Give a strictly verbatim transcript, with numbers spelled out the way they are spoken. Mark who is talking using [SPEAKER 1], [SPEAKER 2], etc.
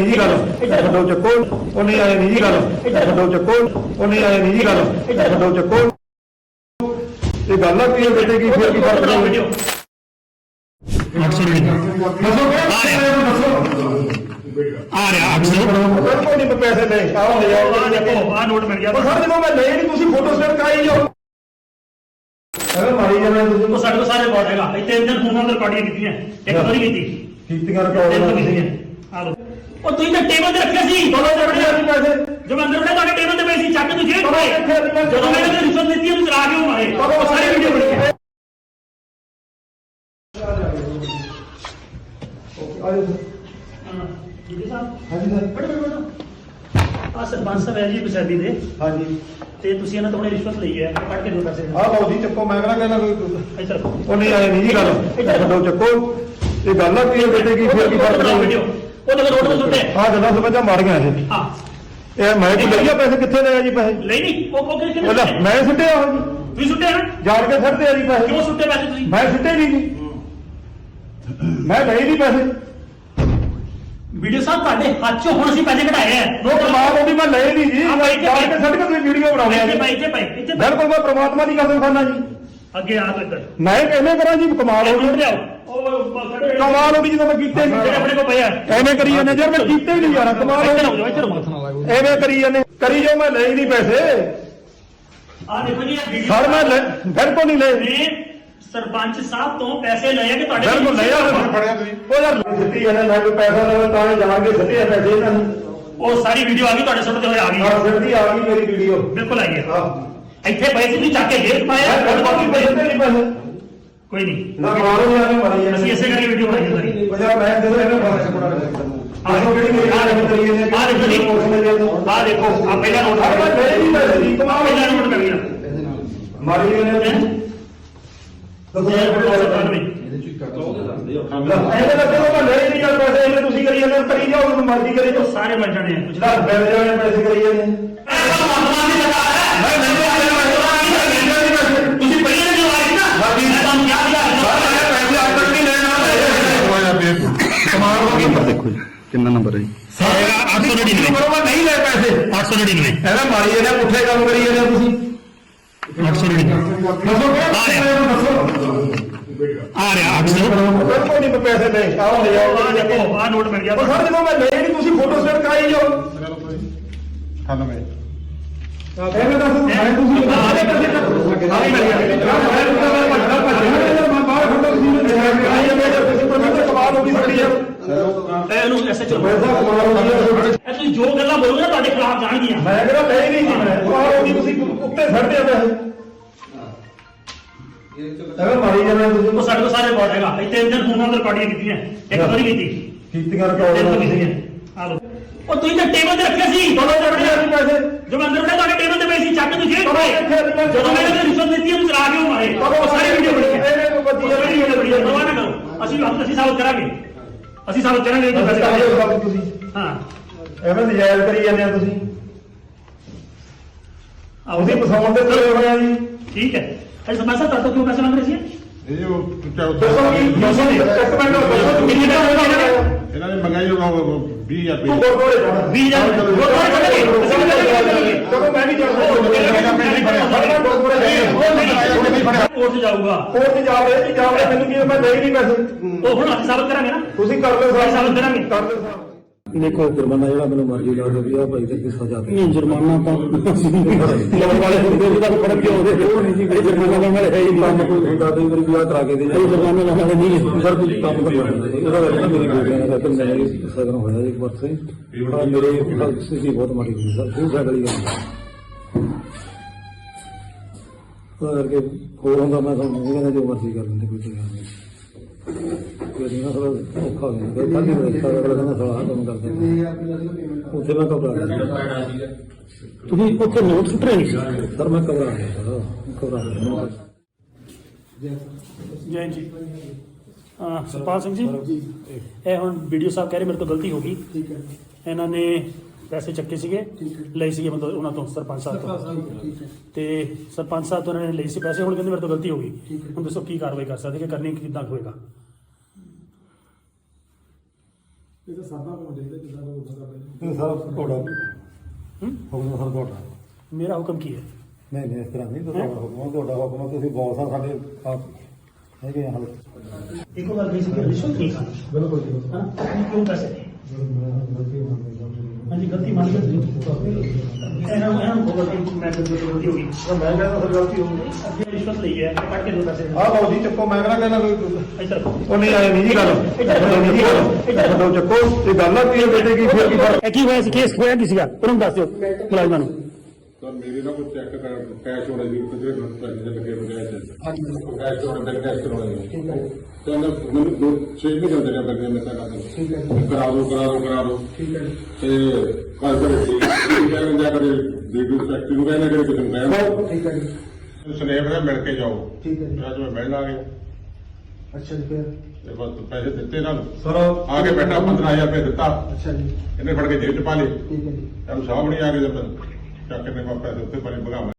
[SPEAKER 1] ਜੀ ਗੱਲ ਛੱਡੋ ਚੱਕੋ ਉਹ ਨਹੀਂ ਆਏ ਨਹੀਂ ਜੀ ਗੱਲ ਛੱਡੋ ਚੱਕੋ ਉਹ ਨਹੀਂ ਆਏ ਨਹੀਂ ਜੀ ਗੱਲ ਛੱਡੋ ਚੱਕੋ ਇਹ ਗੱਲ ਆ ਕੀ ਹੈ ਬੇਟੇ ਕੀ ਫਿਰ ਕੀ ਫਰਕ ਹੈ ਵੀਡੀਓ ਅੱਠ ਸੌ ਰੁਪਏ ਆ ਰਿਹਾ ਅੱਠ ਸੌ ਕੋਈ ਨਹੀਂ ਪੈਸੇ ਲੈ ਆਓ ਲੈ ਆਓ ਦੇਖੋ ਆ ਨੋਟ ਮਿਲ ਗਿਆ ਸਰ ਜਦੋਂ ਮੈਂ ਲਏ ਨਹੀਂ ਤੁਸੀਂ ਫੋਟੋ ਸਟੇਟ ਕਰਾਈ ਜਾਓ ਅਰੇ ਮਾਰੀ ਜਾਣਾ ਤੁਸੀਂ ਉਹ ਸਾਡੇ ਕੋਲ ਸਾਰੇ ਰਿਕਾਰਡ ਹੈਗਾ ਇੱਥੇ ਇੰਦਰ ਫੋਨਾਂ ਤੇ ਰਿਕਾਰਡਿੰਗ ਕੀਤੀਆਂ ਇੱਕ ਵਾਰੀ ਕੀਤੀ ਕੀਤੀਆਂ ਰਿਕਾਰਡ ਆ ਲੋ ਉਹ ਤੁਸੀਂ ਤਾਂ ਟੇਬਲ ਤੇ ਰੱਖਿਆ ਸੀ ਦੋਨੋਂ ਜਣੇ ਆ ਪੈਸੇ ਜਦੋਂ ਅੰਦਰ ਉਹਨੇ ਤੁਹਾਡੇ ਟੇਬਲ ਤੇ ਪਏ ਸੀ ਚੱਕ ਤੁਸੀਂ ਜਦੋਂ ਮੈਂ ਇਹਨੂੰ ਰਿਸ਼ਵਤ ਦਿੱਤੀ ਉਹਨੂੰ ਚਲਾ ਕੇ ਮਾਰੇ ਉਹ ਸਾਰੇ ਵੀਡੀਓ ਬਣ ਗਏ ਆਜੋ ਜੀ ਸਾਹਿਬ ਹਾਂਜੀ ਸਰ ਬੜੇ ਬੜੇ ਆ ਸਰਪੰਚ ਸਾਹਿਬ ਹੈ ਜੀ ਪਛਾਦੀ ਦੇ ਹਾਂਜੀ ਤੇ ਤੁਸੀਂ ਇਹਨਾਂ ਤੋਂ ਹੁਣੇ ਰਿਸ਼ਵਤ ਲਈ ਹੈ ਕੱਢ ਕੇ ਦਿਓ ਪੈਸੇ ਆਹ ਲਓ ਜੀ ਚੱਕੋ ਮੈਂ ਕਹਿੰਦਾ ਕੋਈ ਇੱਧਰ ਉਹ ਨਹੀਂ ਆਏ ਨਹੀਂ ਜੀ ਗੱਲ ਛੱਡੋ ਚੱਕੋ ਇਹ ਗੱਲ ਆ ਕੀ ਹੈ ਬੇਟੇ ਕੀ ਫਿਰ ਕੀ ਫਰਕ ਹੈ ਵੀਡੀਓ ਉਹ ਤਾਂ ਰੋਡ ਤੇ ਸੁੱਟੇ ਆਹ ਗੱਲਾਂ ਸਮਝਾ ਮਾਰ ਗਿਆ ਇਹ ਹਾਂ ਇਹ ਮੈਂ ਕੀ ਲਈਆ ਪੈਸੇ ਕਿੱਥੇ ਲਏ ਜੀ ਪੈਸੇ ਲਈ ਨਹੀਂ ਉਹ ਉਹ ਕਿੱਥੇ ਮੈਂ ਸੁੱਟਿਆ ਉਹ ਜੀ ਤੁਸੀਂ ਸੁੱਟਿਆ ਨਾ ਜਾਣ ਕੇ ਸੁੱਟਦੇ ਆ ਜੀ ਪੈਸੇ ਕਿਉਂ ਸੁੱਟੇ ਪੈਸੇ ਤੁਸੀਂ ਮੈਂ ਸੁੱਟੇ ਨਹੀਂ ਜੀ ਮੈਂ ਲਏ ਨਹੀਂ ਪੈਸੇ ਵੀਡੀਓ ਸਾਹਿਬ ਤੁਹਾਡੇ ਹੱਥ ਚੋਂ ਹੁਣ ਅਸੀਂ ਪੈਸੇ ਕਢਾਏ ਆ ਨੋ ਪ੍ਰਮਾਤਮਾ ਉਹ ਵੀ ਮੈਂ ਲਏ ਨਹੀਂ ਜੀ ਜਾਣ ਕੇ ਸੁੱਟ ਕੇ ਤੁਸੀਂ ਵੀਡੀਓ ਬਣਾਉਂਦੇ ਆ ਇੱਥੇ ਭਾਈ ਇੱਥੇ ਭਾਈ ਇੱਥੇ ਬਿਲਕੁਲ ਮੈਂ ਪ੍ਰਮਾਤਮਾ ਦੀ ਕਸਮ ਖਾਨਾ ਜੀ ਅੱਗੇ ਆ ਤੋ ਇੱਧਰ ਮੈਂ ਕਿਵੇਂ ਕਰਾਂ ਜੀ ਕਮਾਲ ਹੋ ਗਈ ਕਮਾਲ ਹੋ ਗਈ ਜਦੋਂ ਮੈਂ ਕੀਤੇ ਨਹੀਂ ਆਪਣੇ ਕੋਲ ਪਿਆ ਐਵੇਂ ਕਰੀ ਜਾਂਦੇ ਯਾਰ ਮੈਂ ਕੀਤੇ ਹੀ ਨਹੀਂ ਯਾਰ ਕਮਾਲ ਹੋ ਗਈ ਐਵੇਂ ਕਰੀ ਜਾਂਦੇ ਕਰੀ ਜਾਓ ਮੈਂ ਲਏ ਨਹੀਂ ਪੈਸੇ ਆ ਦੇਖੋ ਜੀ ਇਹ ਵੀਡੀਓ ਸਰ ਮੈਂ ਬਿਲਕੁਲ ਨਹੀਂ ਲਏ ਸਰਪੰਚ ਸਾਹਿਬ ਤੋਂ ਪੈਸੇ ਲਏ ਕਿ ਤੁਹਾਡੇ ਬਿਲਕੁਲ ਲਿਆ ਫੜਿਆ ਤੁਸੀਂ ਉਹ ਯਾਰ ਸਿੱਧੀ ਇਹਨੇ ਮੈਂ ਕੋਈ ਪੈਸਾ ਲਵਾਂ ਤਾਂ ਹੀ ਜਾਣ ਕੇ ਸਿੱਧੇ ਪੈਸੇ ਇਹਨਾਂ ਨੂੰ ਉਹ ਸਾਰੀ ਵੀਡੀਓ ਆ ਗਈ ਤੁਹਾਡੇ ਸੁਣਦੇ ਹੋਏ ਆ ਗਈ ਹਾਂ ਸਿੱਧੀ ਆ ਗਈ ਮੇਰੀ ਵੀਡੀਓ ਬਿਲਕੁਲ ਆਈ ਹੈ ਹਾਂ ਇੱਥੇ ਪੈਸੇ ਨਹੀਂ ਚੱਕ ਕੇ ਜੇਬ ਪਾਇਆ ਪੈਸੇ ਨਹੀਂ ਪੈਸੇ ਕੋਈ ਨਹੀਂ ਨਾ ਮਾਰੋ ਯਾਰ ਮਾਰੀ ਜਾਂਦੇ ਅਸੀਂ ਇਸੇ ਕਰਕੇ ਵੀਡੀਓ ਬਣਾਈ ਸਾਰੀ ਪੰਜਾਬ ਮੈਂ ਜਦੋਂ ਇਹਨਾਂ ਬਾਰੇ ਸਪੋਰਟ ਕਰਦਾ ਆਹ ਜਿਹੜੀ ਮੇਰੀ ਆ ਦੇਖੋ ਤਰੀਕੇ ਨੇ ਆ ਦੇਖੋ ਆ ਦੇਖੋ ਆ ਪਹਿਲਾ ਨੋਟ ਆ ਨਹੀਂ ਪੈਸੇ ਦੀ ਕਮਾਲ ਪਹਿਲਾ ਨੋਟ ਕਰ ਗਿਆ ਮਾਰੀ ਜਾਂਦੇ ਤੁਸੀਂ ਕਰੀ ਜਾਂਦੇ ਕਰੀ ਜਾਓ ਮਰਜ਼ੀ ਕਰੀ ਜਾਓ ਸਾਰੇ ਮਰ ਜਾਣੇ ਆ ਕੁਝ ਦਸ ਬੈਠ ਜਾਣੇ ਪੈਸੇ ਕਰੀ ਜਾਂਦੇ ਤੁਸੀਂ ਪਹਿਲਾਂ ਜੋ ਆਏ ਨਾ ਮੈਂ ਤੁਹਾਨੂੰ ਯਾਦ ਕਰ ਪੈਸੇ ਅੱਜ ਤੱਕ ਨਹੀਂ ਲੈਣਾ ਕਮਾਲ ਹੋ ਗਈ ਦੇਖੋ ਜੀ ਕਿੰਨਾ ਨੰਬਰ ਹੈ ਜੀ ਅੱਠ ਸੌ ਨੜਿਨਵੇਂ ਬਰੋਬਰ ਨਹੀਂ ਲੈ ਪੈਸੇ ਅੱਠ ਸੌ ਨੜਿਨਵੇਂ ਇਹਦਾ ਮਾਰੀ ਜਾਂਦੇ ਪੁੱਠੇ ਕੰਮ ਕਰੀ ਜਾਂਦੇ ਤੁਸੀਂ ਅੱਠ ਸੌ ਨੜਿਨਵੇਂ ਆ ਰਿਹਾ ਅੱਠ ਸੌ ਕੋਈ ਨਹੀਂ ਪੈਸੇ ਲੈ ਆਓ ਲੈ ਆਓ ਦੇਖੋ ਆ ਨੋਟ ਮਿਲ ਗਿਆ ਸਰ ਜਦੋਂ ਮੈਂ ਲਏ ਨਹੀਂ ਤੁਸੀਂ ਫੋਟੋ ਸਟੇਟ ਕਰਾਈ ਜਾਓ ਅਠਾਨਵੇਂ ਐਵੇਂ ਦੱਸ ਮੈਂ ਤੁਸੀਂ ਆ ਦੇ ਪੈਸੇ ਆ ਮਿਲ ਗਿਆ ਮੈਂ ਬਾਹਰ ਖੜਾ ਤੁਸੀਂ ਨੇ ਆਈ ਜਾਂਦੇ ਤੁਸੀਂ ਪ੍ਰੋਫੈਸਰ ਕਮਾਲ ਹੋ ਗਈ ਸਾਡੀ ਯਾਰ ਇਹਨੂੰ ਐਸੇ ਚਲੋ ਪੈਸਾ ਕਮਾਲ ਹੋ ਗਿਆ ਇਹ ਤੁਸੀਂ ਜੋ ਗੱਲਾਂ ਬੋਲੋਗੇ ਤੁਹਾਡੇ ਖਿਲਾਫ ਜਾਣਗੀਆਂ ਮੈਂ ਕਹਿੰਦਾ ਲੈ ਨਹੀਂ ਜੀ ਮੈਂ ਕਮਾਲ ਹੋ ਗਈ ਤੁਸੀਂ ਉੱਤੇ ਛੱਡਦੇ ਆ ਪੈਸੇ ਐਵੇਂ ਮਾਰੀ ਜਾਂਦੇ ਤੁਸੀਂ ਉਹ ਸਾਡੇ ਕੋਲ ਸਾਰੇ ਰਿਕਾਰਡ ਹੈਗਾ ਇੱਥੇ ਇੰਦਰ ਫੋਨਾਂ ਤੇ ਰਿਕਾਰਡਿੰਗ ਕੀਤੀਆਂ ਇੱਕ ਵਾਰੀ ਕੀਤੀ ਕੀਤੀਆਂ ਰਿਕਾਰਡ ਆ ਲੋ ਉਹ ਤੁਸੀਂ ਤਾਂ ਟੇਬਲ ਤੇ ਰੱਖਿਆ ਸੀ ਦੋਨੋਂ ਜਣੇ ਆ ਪੈਸੇ ਜਦੋਂ ਅੰਦਰ ਉਹਨੇ ਤੁਹਾਡੇ ਟੇਬਲ ਤੇ ਪਏ ਸੀ ਚੱਕ ਤੁਸੀਂ ਜਦੋਂ ਮੈਂ ਇਹਨੂੰ ਰਿਸ਼ਵਤ ਦਿੱਤੀ ਉਹਨੂੰ ਚਲਾ ਕੇ ਮਾਰੇ ਉਹ ਸਾਰੀ ਵੀਡੀਓ ਬਣ ਗਈ ਇਹਨੇ ਬੱਤੀ ਵੀਡੀਓ ਬਣੀ ਹੈ ਪਰਵਾਹ ਨਾ ਕਰੋ ਅਸੀਂ ਅਸੀਂ ਸਾਬਤ ਕਰਾਂਗੇ ਅਸੀਂ ਸਾਬਤ ਕਰਾਂਗੇ ਤੁਸੀਂ ਹਾਂ ਐਵੇਂ ਨਜਾਇਜ਼ ਕਰੀ ਜਾਂਦੇ ਆ ਤੁਸੀਂ ਆਓ ਜੀ ਪਸਾਉਣ ਦੇ ਤੇ ਹੋਇਆ ਜੀ ਠੀਕ ਹੈ अरे समझ सकता तो क्यों पैसे मांग रहे थे ये वो क्या होता है दो सौ नहीं एक मिनट दो कितने का होगा इन्होंने मंगाई होगा बीस हजार पे बीस हजार गुरुद्वारे चलेंगे तो मैं भी कोर्ट से जाऊंगा कोर्ट से जा रहे जा रहे मैंने कि मैं दे नहीं पैसे तो हुन ਅਸੀਂ ਸਾਬਤ ਕਰਾਂਗੇ ਨਾ ਤੁਸੀਂ ਕਰ ਲਓ ਸਾਬਤ ਕਰਾਂਗੇ ਕਰ ਲਓ ਸਾਹਿਬ ਦੇਖੋ ਜੁਰਮਾਨਾ ਜਿਹੜਾ ਮੈਨੂੰ ਮਰਜ਼ੀ ਲਾ ਦੋ ਵੀ ਆ ਭਾਈ ਤੇ ਸਜ਼ਾ ਨਹੀਂ ਜੁਰਮਾਨਾ ਤਾਂ ਲੋਕ ਵਾਲੇ ਹੁੰਦੇ ਉਹਦਾ ਫਰਕ ਕਿਉਂ ਉਹਦੇ ਉਹ ਨਹੀਂ ਜੀ ਜੁਰਮਾਨਾ ਤਾਂ ਮੇਰੇ ਹੈ ਹੀ ਨਹੀਂ ਕੋਈ ਹੁੰਦਾ ਕਈ ਵਾਰੀ ਵਿਆਹ ਕਰਾ ਕੇ ਦੇ ਇਹ ਜੁਰਮਾਨਾ ਤਾਂ ਵਾਲੇ ਨਹੀਂ ਸਰ ਤੁਸੀਂ ਕੰਮ ਕਰਵਾ ਉਹਦਾ ਵੈਸੇ ਮੇਰੀ ਬੇਟੀਆਂ ਦਾ ਤਾਂ ਮੈਂ ਸਗਨ ਹੋਇਆ ਇੱਕ ਵਾਰ ਸੇ ਮੇਰੇ ਸਥਿਤੀ ਬਹੁਤ ਮਾੜੀ ਹੋਈ ਸਰ ਬਹੁਤ ਸਾਡੀ ਗੱਲ ਉਹ ਕਰਕੇ ਹੋਰ ਹੁੰਦਾ ਮੈਂ ਤੁਹਾਨੂੰ ਨਹੀਂ ਕਹਿੰਦਾ ਜੋ ਮਰਜ਼ੀ ਕਰ ਲੈਂਦੇ ਕੋਈ ਗੱਲ ਨਹੀਂ ਨਾ ਥੋੜਾ ਔਖਾ ਹੋ ਜਾਂਦਾ ਕੱਲ ਹੀ ਰਸਤਾ ਅਗਲਾ ਕਹਿੰਦਾ ਸਲਾਹ ਕੰਮ ਕਰਦੇ ਉੱਥੇ ਮੈਂ ਘਬਰਾ ਗਿਆ ਤੁਸੀਂ ਉੱਥੇ ਨੋਟ ਸੁੱਟ ਰਹੇ ਨਹੀਂ ਸਰ ਮੈਂ ਘਬਰਾ ਗਿਆ ਸਰ ਘਬਰਾ ਗਿਆ ਜੈ ਜੀ ਸਰਪਾਲ ਸਿੰਘ ਜੀ ਇਹ ਹੁਣ ਵੀਡੀਓ ਸਾਹਿਬ ਕਹਿ ਰਹੇ ਮੇਰੇ ਤੋਂ ਗਲਤੀ ਹੋ ਗਈ ਠੀਕ ਹੈ ਇਹਨਾਂ ਨੇ ਪੈਸੇ ਚੱਕੇ ਸੀਗੇ ਲਈ ਸੀਗੇ ਮਤਲਬ ਉਹਨਾਂ ਤੋਂ ਸਰਪੰਚ ਸਾਹਿਬ ਤੋਂ ਤੇ ਸਰਪੰਚ ਸਾਹਿਬ ਤੋਂ ਉਹਨਾਂ ਨੇ ਲਈ ਸੀ ਪੈਸੇ ਹੁਣ ਕਹਿੰਦੇ ਮੇਰੇ ਤੋਂ ਗਲਤੀ ਹੋ ਗਈ ਹੁਣ ਦੱਸੋ ਕੀ ਕਾਰਵਾਈ ਕਰ ਸਕਦੇ ਕਿ ਕਰਨੀ ਕਿੱਦਾਂ ਹੋਏਗਾ ਇਹ ਤਾਂ ਸਾਡਾ ਕੰਮ ਦੇਖਦੇ ਕਿੱਦਾਂ
[SPEAKER 2] ਇਹ ਸਾਰਾ ਤੁਹਾਡਾ
[SPEAKER 1] ਹੂੰ?
[SPEAKER 2] ਹੁਕਮ ਸਰ ਤੁਹਾਡਾ
[SPEAKER 1] ਮੇਰਾ ਹੁਕਮ ਕੀ ਹੈ?
[SPEAKER 2] ਨਹੀਂ ਨਹੀਂ ਇਸ ਤਰ੍ਹਾਂ ਨਹੀਂ ਤੁਹਾਡਾ ਹੁਕਮ ਆ, ਤੁਹਾਡਾ ਹੁਕਮ ਆ, ਤੁਸੀਂ ਬੌਸ ਆ ਸਾਡੇ ਆਪ ਹੈਗੇ ਆ ਹਾਲੇ
[SPEAKER 1] ਇੱਕੋ ਗੱਲ ਕਹੀ ਸੀ ਕਿ ਰਿਸ਼ਵਤ ਨਹੀਂ ਖਾਣੀ।
[SPEAKER 2] ਬਿਲਕੁਲ ਜੀ
[SPEAKER 1] ਹਾਂ ਕਿਉਂ ਪੈਸੇ ਹਾਂਜੀ ਗਲਤੀ ਮੰਨ ਕੇ ਇਹਨਾਂ ਨੂੰ ਇਹਨਾਂ ਨੂੰ ਖਬਰ ਕਿ ਮੈਂ ਤੇ ਗਲਤੀ ਹੋ ਗਈ।
[SPEAKER 2] ਮੈਂ ਕਹਿੰਦਾ ਸਰ ਗਲਤੀ ਹੋ ਗਈ
[SPEAKER 1] ਅੱਗੇ ਰਿਸ਼ਵਤ ਲਈ ਹੈ ਕੱਢ ਕੇ ਦੋ ਪੈਸੇ
[SPEAKER 2] ਆਹ ਬਾਉ ਜੀ ਚੱਕੋ ਮੈਂ ਕਹਿੰਦਾ ਕਹਿੰਦਾ ਕੋਈ
[SPEAKER 1] ਇੱਧਰ
[SPEAKER 2] ਉਹ ਨਹੀਂ ਆਏ ਨਹੀਂ ਜੀ ਗੱਲ ਨਹੀਂ ਜੀ ਗੱਲ ਛੱਡੋ ਚੱਕੋ ਇਹ ਗੱਲ ਆ ਕੀ ਹੈ ਬੇਟੇ ਕੀ ਫਿਰ ਕੀ ਫਰਕ
[SPEAKER 1] ਇਹ ਕੀ ਹੋਇਆ ਸੀ ਕੇਸ ਹੋਇਆ ਕੀ ਸੀਗਾ ਤੁਹਾਨੂੰ ਦੱਸ ਦਿਓ ਮੁਲਾਜ਼ਮਾਂ ਨੂੰ।
[SPEAKER 3] ਸਰ ਮੇਰੇ ਨਾਲ ਕੋਈ ਚੈੱਕ ਕਰ ਕੈਸ਼ ਹੋਣਾ ਜੀ ਕਿਤੇ ਪੈਸੇ ਦੇ ਲੱਗੇ ਹੋਏ ਕੈਸ਼ ਕੈਸ਼ ਹੋਣਾ ਬਿਲ ਕੈਸ਼ ਕਰਵਾਉਣਾ ਜੀ ਤੇ ਉਹਨਾਂ ਮੈਨੂੰ ਦੋ ਛੇ ਮਹੀਨੇ ਹੁੰਦੇ ਨੇ ਬੱਗੇ ਮੈਂ ਤਾਂ ਠੀਕ ਹੈ ਕਰਾ ਦੋ ਕਰਾ ਦੋ ਕਰਾ ਦੋ ਠੀਕ ਹੈ ਤੇ ਕੱਲ ਕਰ ਠੀਕ ਹੈ ਜਾ ਕਰੇ ਵੀਡੀਓ ਫੈਕਟਰੀ ਨੂੰ ਕਹਿੰਦਾ ਕਿ ਕੁਝ ਨਹੀਂ ਕਹਿੰਦਾ
[SPEAKER 2] ਠੀਕ ਹੈ ਜੀ
[SPEAKER 3] ਸਨੇਪ ਦਾ ਮਿਲ ਕੇ ਜਾਓ
[SPEAKER 2] ਠੀਕ ਹੈ ਜੀ
[SPEAKER 3] ਅੱਜ ਮੈਂ ਮਿਲਣ ਆ ਗਿਆ
[SPEAKER 2] ਅੱਛਾ ਜੀ ਫਿਰ
[SPEAKER 3] ਤੇ ਬਸ ਪੈਸੇ ਦਿੱਤੇ ਨਾਲ
[SPEAKER 2] ਸਰ
[SPEAKER 3] ਆ ਕੇ ਬੈਠਾ ਪੰਦਰਾਂ ਹਜ਼ਾਰ ਰੁਪਏ ਦਿੱਤਾ
[SPEAKER 2] ਅੱਛਾ ਜੀ
[SPEAKER 3] ਇਹਨੇ ਫੜ ਕੇ ਜੇਬ ਚ ਪਾ ਲਏ
[SPEAKER 2] ਠੀਕ ਹੈ ਜੀ
[SPEAKER 3] ਇਹਨੂੰ ਸਾਹਮਣੇ ਆ ਕੇ ਜਦ ਚੱਕ ਕੇ ਨੇ ਪੈਸੇ ਉੱਤੇ ਪਰੇ ਭਗਾਵਾਂ